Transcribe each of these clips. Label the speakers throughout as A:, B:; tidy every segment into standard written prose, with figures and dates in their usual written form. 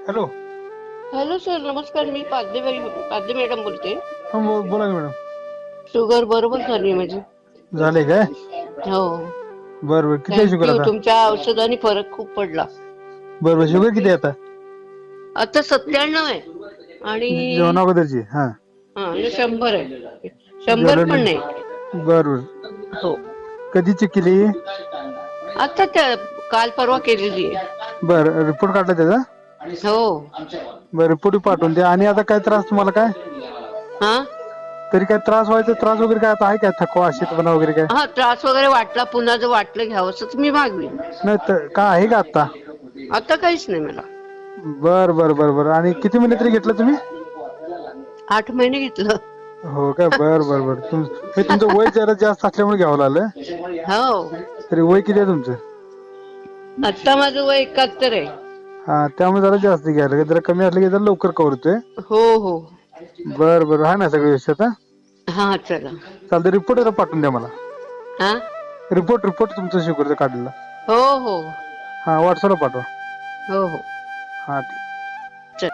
A: Hello.
B: Hello sir, नमस्कार. मी पाध्ये madam बोलते.
A: हा बोला की मॅडम.
B: शुगर बरोबर झाली माझी.
A: झाले काय?
B: हो.
A: बरं बरं, किती आहे शुगर
B: थँक्यू.
A: आता?
B: तुमच्या औषधाने फरक खूप पडला.
A: बरं बरं, शुगर किती आहे आता?
B: आता 97 आहे. आणि
A: जेवणा अगोदरची? हा.
B: आणि 100 आहे. 100
A: झालं
B: पण
A: नाही.
B: नाही.
A: बरं बरं.
B: हो.
A: कधी चेक केली?
B: आता काल परवा केलेली आहे.
A: बरं, रिपोर्ट काढला त्याचा?
B: हो.
A: बरं, रिपोर्ट पाठवून द्या. आणि आता काय त्रास तुम्हाला काय?
B: हा.
A: तरी काय त्रास व्हायचा, त्रास वगैरे काय आता आहे काय? थकवा, शीतपणा वगैरे काय?
B: हा, त्रास वगैरे वाटला. पुन्हा जर वाटलं घ्यावंसं तर मी मागवीन.
A: नाही तर काय आहे का आता?
B: आता काहीच नाही मला.
A: बरं बरं बरं बरं. आणि किती महिने तरी घेतलं तुम्ही?
B: 8 महिने घेतलं.
A: हो काय? बरं बरं बरं. तुमचं वय जरा जास्त असल्यामुळे घ्यावं लागलं.
B: हो.
A: तरी वय किती आहे तुमचं?
B: आता माझं वय 71 आहे.
A: हा, त्यामुळे जरा जास्त घ्यायला, जरा कमी असलं की जरा लवकर कव्हर होतोय.
B: हो हो.
A: बरं बरं, आहे ना सगळं व्यवस्थित? हा,
B: हा, चला.
A: चालतं. रिपोर्ट जरा पाठवून द्या मला.
B: हा.
A: रिपोर्ट तुमचं शुगरचं काढलेला.
B: हो हो
A: हा, व्हॉट्सअपला पाठवा.
B: हो हो.
A: हा, ठीक.
B: चल.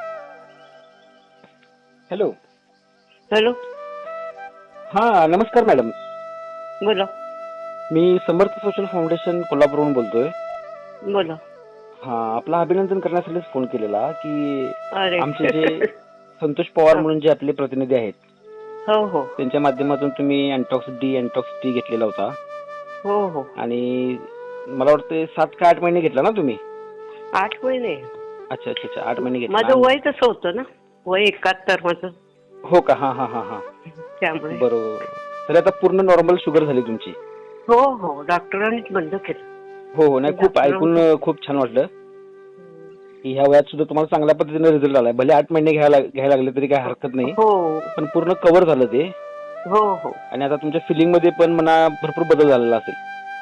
C: हॅलो.
B: हॅलो.
C: हा, नमस्कार मॅडम.
B: बोला.
C: मी समर्थ सोशल फाउंडेशन कोल्हापूरहून बोलतोय.
B: बोला.
C: हा, आपला अभिनंदन करण्यासाठीच फोन केलेला की
B: अरे.
C: आमचे जे संतोष पवार
B: हा.
C: म्हणून जे आपले प्रतिनिधी आहेत,
B: हो हो
C: त्यांच्या माध्यमातून तुम्ही अँटॉक्स डी घेतलेला होता.
B: हो हो.
C: आणि मला वाटतं 7 का 8 महिने घेतला ना तुम्ही?
B: 8 महिने.
C: अच्छा अच्छा अच्छा, 8 महिने घेतला.
B: माझं वय तसं होतं ना, वय 71 माझं.
C: हो का? हा हा हा हा.
B: त्यामुळे.
C: बरोबर. तर आता पूर्ण नॉर्मल शुगर झाली तुमची?
B: हो हो, डॉक्टरांनीच बंद केलं.
C: हो हो. नाही, खूप ऐकून खूप छान वाटलं की ह्या वयात सुद्धा तुम्हाला चांगल्या पद्धतीने रिझल्ट आलाय. भले 8 महिने घ्यायला लागले तरी काही हरकत नाही,
B: हो
C: पण पूर्ण कव्हर झालं ते.
B: हो हो.
C: आणि आता तुमच्या फिलिंग मध्ये पण म्हणा भरपूर बदल झालेला असेल.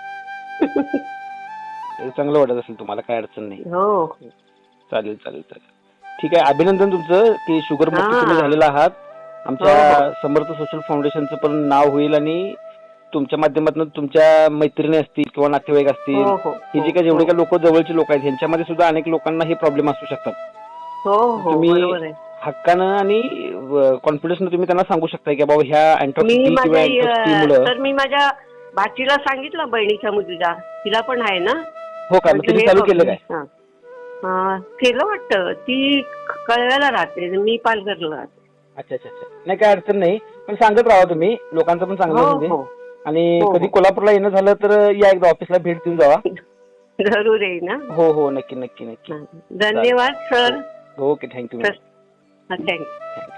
C: ते चांगलं वाटत असेल तुम्हाला, काय अडचण नाही.
B: हो.
C: चालेल चालेल चालेल. ठीक आहे, अभिनंदन तुमचं की शुगर मुक्त तुम्ही
B: हा.
C: झालेला आहात. आमच्या
B: हो हो
C: समर्थ सोशल फाउंडेशनचं पण नाव होईल आणि तुमच्या माध्यमातून तुमच्या मैत्रिणी असतील किंवा नातेवाईक असतील,
B: हो हो
C: ही जी काही जेवढे काही लोक जवळची लोक आहेत ह्यांच्यामध्ये सुद्धा अनेक लोकांना हे प्रॉब्लेम असू शकतात.
B: हो हो,
C: तुम्ही
B: बरोबर आहे.
C: हक्कानं आणि कॉन्फिडन्सनं तुम्ही त्यांना सांगू शकता की बाबा ह्या अँटॉक्स डी किंवा अँटॉक्स टी मुळे.
B: तर मी माझ्या भाचीला सांगितलं, बहिणीच्या मुलीला, तिला पण आहे ना.
C: हो का? मग तुम्ही चालू केलं काय?
B: केलं वाटतं. ती कळव्याला राहते, मी पालघरला राहते.
C: अच्छा अच्छा अच्छा. नाही, काय अडचण नाही, पण सांगत राहा तुम्ही, लोकांचं पण चांगलं
B: हो
C: होऊ दे.
B: हो
C: आणि
B: हो
C: कधी
B: हो.
C: कोल्हापूरला येणं झालं तर या एकदा ऑफिसला भेट देऊन जावा.
B: जरूर येईल ना.
C: हो हो, नक्की नक्की नक्की.
B: धन्यवाद सर.
C: Okay, thank you.
B: थँक्यू.